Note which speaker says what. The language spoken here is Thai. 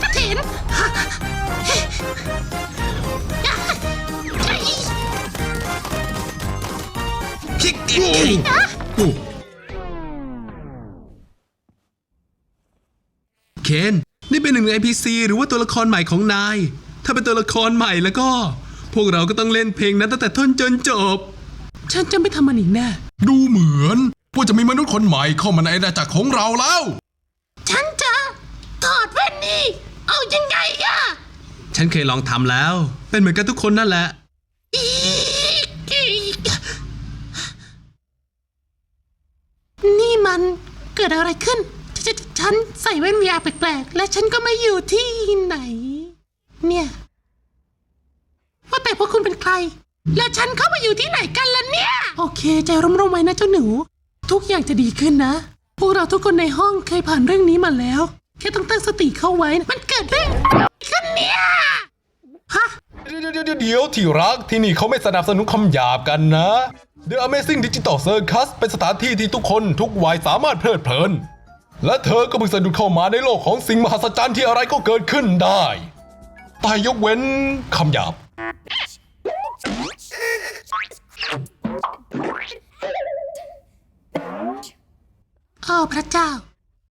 Speaker 1: เห็น
Speaker 2: เคนนี่เป็นหนึ่งใน NPC หรือว่าตัวละครใหม่ของนาย ถ้าเป็นตัวละครใหม่แล้วก็ พวกเราก็ต้องเล่นเพลงนั้นตั้งแต่ต้นจนจบ ฉันจะไม่ทำมันอีกแน่
Speaker 3: ดูเหมือนว่าจะมีมนุษย์คนใหม่เข้ามาในอาณาจักรของเราแล้ว
Speaker 1: ฉันจะถอดแว่นนี่เอายังไงอะ
Speaker 2: ฉันเคยลองทำแล้ว เป็นเหมือนกันทุกคนนั่นแหละ
Speaker 1: นี่มันเกิดอะไรขึ้น ฉันใส่แว่น VR แปลกๆและฉันก็ไม่อยู่ที่ไหน เนี่ยว่าแต่พวกคุณเป็นใคร แล้วฉันเข้ามาอยู่ที่ไหนกันล่ะเนี่ย โอเคใจร่มๆไว้นะเจ้าหนู ทุกอย่างจะดีขึ้นนะ พวกเราทุกคนในห้องเคยผ่านเรื่องนี้มาแล้ว แค่ต้องตั้งสติเข้าไว้นะมันเกิดเรื่องขึ้นเนี่ยฮะ
Speaker 3: เดี๋ยวที่รักที่นี่เขาไม่สนับสนุนคำหยาบกันนะ The Amazing Digital Circus เป็นสถานที่ที่ทุกคนทุกวัยสามารถเพลิดเพลิน และเธอก็เพิ่งสะดุดเข้ามาในโลกของสิ่งมหัศจรรย์ที่อะไรก็เกิดขึ้นได้แต่ยกเว้นคำหยาบ
Speaker 1: โอ้พระเจ้า